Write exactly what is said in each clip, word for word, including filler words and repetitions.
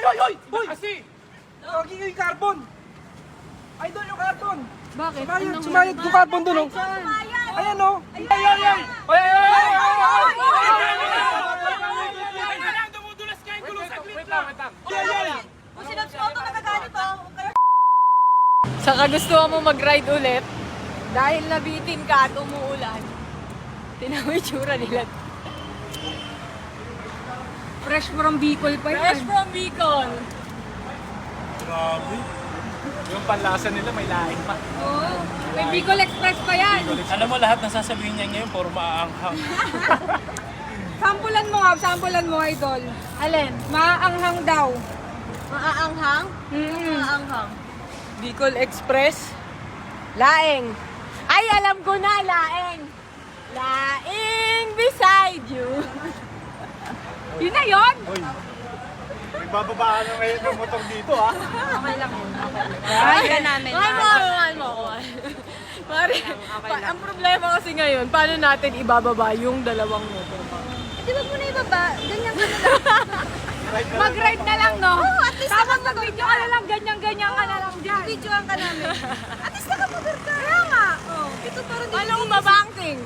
oy, oy! Uy! Kasi! Lagi yung carbon! Idol yung carbon! Bakit? Sumayad, Anong- sumayad yung carbon dun, oh! Ayan, oh! Ay, ay, ay! Ay, ay, ay! Ay, dumudulas ka yung gulo sa glit lang! Ay, ay, ay! Kung sinabs ko ito, nagagalit oh. Sa kagustuhan mo mag-ride ulit, dahil nabitin ka at umuulan, tingnan mo yung tsura nila. Fresh from Bicol pa Fresh from Bicol. Grabe! Yung panlasa nila may laing pa. Oo. May Bicol Express pa yan. Alam mo lahat na sasabihin niya ngayon, puro maaanghang. Sampulan mo nga, sampulan mo idol. Alin? Maaanghang daw. Maaanghang? Mm. Maaanghang. Bicol Express. Laeng. Ay, alam ko na, laeng. Laeng beside you. Yun na yun? Uy, may bababaan na ngayon ng motor dito, ha? Okay lang yun. Kaya namin. Mahal mo, mahal mo. Pare, pa- ang problema kasi ngayon, paano natin ibababa yung dalawang motor? Di ba muna ibaba? Ganyan ka na lang. Mag-ride na lang, no? Oo, at least tapos mag-video ka na lang, ganyan-ganyan ka na lang dyan. Videoan ka namin. At least nakamotor ka. Kaya nga. Oh, ito parang Paano kung mabangking?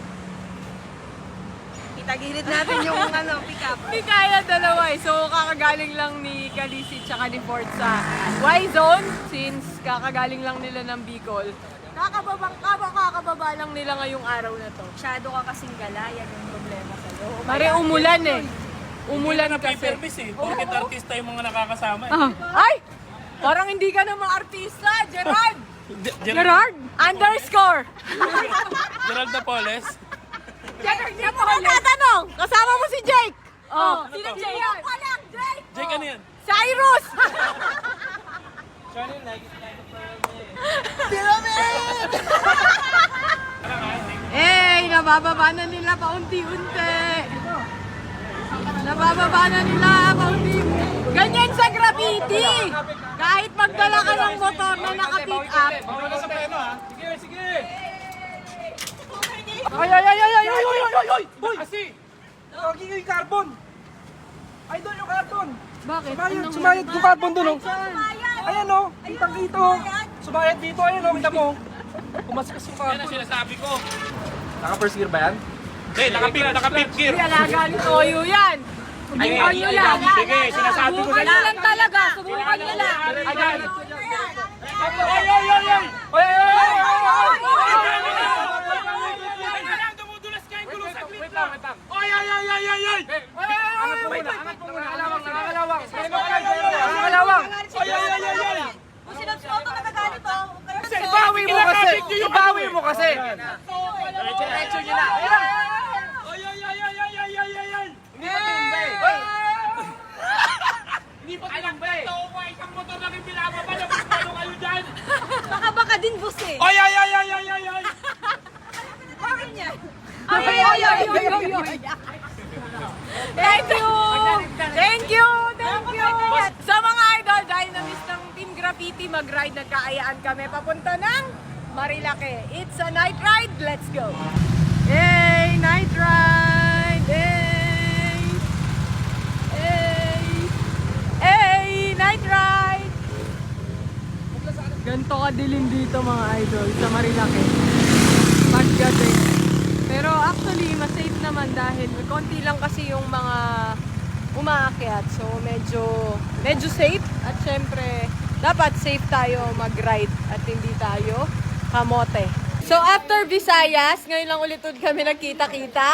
Itagilid natin yung ano, pick-up. Hindi kaya dalawa eh. So, kakagaling lang ni Calisi tsaka ni Ford sa Y-Zone since kakagaling lang nila ng Bicol. Kakababang kaba, kakababa lang nila ngayong araw na to. Masyado ka kasing gala, yan yung problema sa'yo. Mare, umulan eh. Umulan na kasi. paper-miss, eh. Porkit artista yung mga nakakasama, eh. Ay! Parang hindi ka naman artista, Gerard! Ge- Gerald, Gerard! Underscore! Gerald Napoles. Gerard, hindi mo tatanong! Kasama mo si Jake! Oh, sino to? Jake? Ako lang, Jake! Jake, ano yan? Cyrus! Eh, nabababa na nila paunti-unti. Nabababa na nila paunti-unti. Ganyan sa graffiti. Kahit magdala ka ng motor na naka-pick up. Wala sa pleno, ha? Sige, sige! Ay, ay, ay, ay, ay, ay, ay, ay, ay, ay! Uy! Kasi! Lagi yung carbon! Idol yung carbon! Bakit? Sumayad, sumayad yung carbon dun, oh! Ayan, oh! Kitang dito, oh! Sumayad dito, ayan, oh! Kita mo! Kumaskas yung carbon. Yan ang sinasabi ko. Naka-first gear ba yan? Hindi, naka-fifth gear. Alaga ni Toyo yan. Subukan nyo lang. Sige, sinasabi ko Subukan nyo lang talaga. Subukan nyo lang. Ayan! Ay, ay, ay, ay! Ay, ay, ay, ay! Dumudulas ka yung gulo sa glit lang! Ay, ay, ay, ay, ay, ay! Angat mo muna, angat mo muna! Nakakalawang, nakakalawang! Nakakalawang! Ay, ay, ay, ay, ay! Kung sinabs ko ito, nagagalit oh. Ibawi mo kasi! Ibawi mo kasi! Diretso nyo na! Ay, ay, ay, ay, ay, ay, ay, ay, ay! Hindi pa tumbay! Hindi pa tumbay! Tao ko, isang motor lang yung binababa na paano kayo dyan! Baka baka din bus eh. Ay, ay, ay, ay, ay, ay, ay! Bakit yan? Ay, ay, ay, ay, ay, ay. Thank you! Thank you! Thank you! Sa mga idol, dahil na-miss ng Team Graffiti mag-ride, nagkaayaan kami papunta ng Marilake. It's a night ride. Let's go! Hey! Night ride! Hey! Hey! Hey! Night ride! Ganto kadilim dito mga idol sa Marilake. Paggabi. Pero actually, mas safe naman dahil konti lang kasi yung mga umaakyat. So medyo medyo safe at syempre dapat safe tayo mag-ride at hindi tayo kamote. So after Visayas, ngayon lang ulit ulit kami nagkita-kita.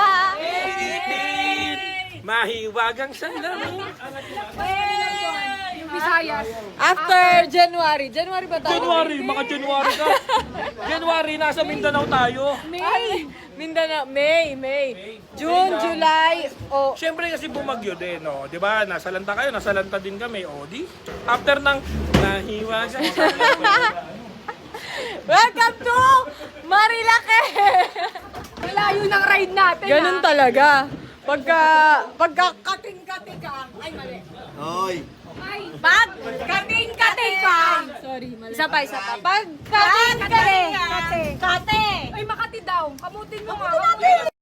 Mahiwagang sandalo! Yung Visayas. After January. January ba tayo? January, mga January ka. January, nasa Mindanao tayo. May! Mindanao. May, May. June, July. Oh, Siyempre kasi bumagyo din, no? Di ba? Nasa lanta kayo, nasa lanta din kami. O, di? After ng nahiwagang welcome to Marilake! Malayo ng ride natin Ganun ha. talaga. Pagka, pagka kating-kating ka, ay mali. Hoy! Ay, Pag kating-kating ka, sorry, mali. Isa pa, isa pa. Pag kating-kating ka, Kate. kate. Ay, Makati daw. Kamutin mo nga.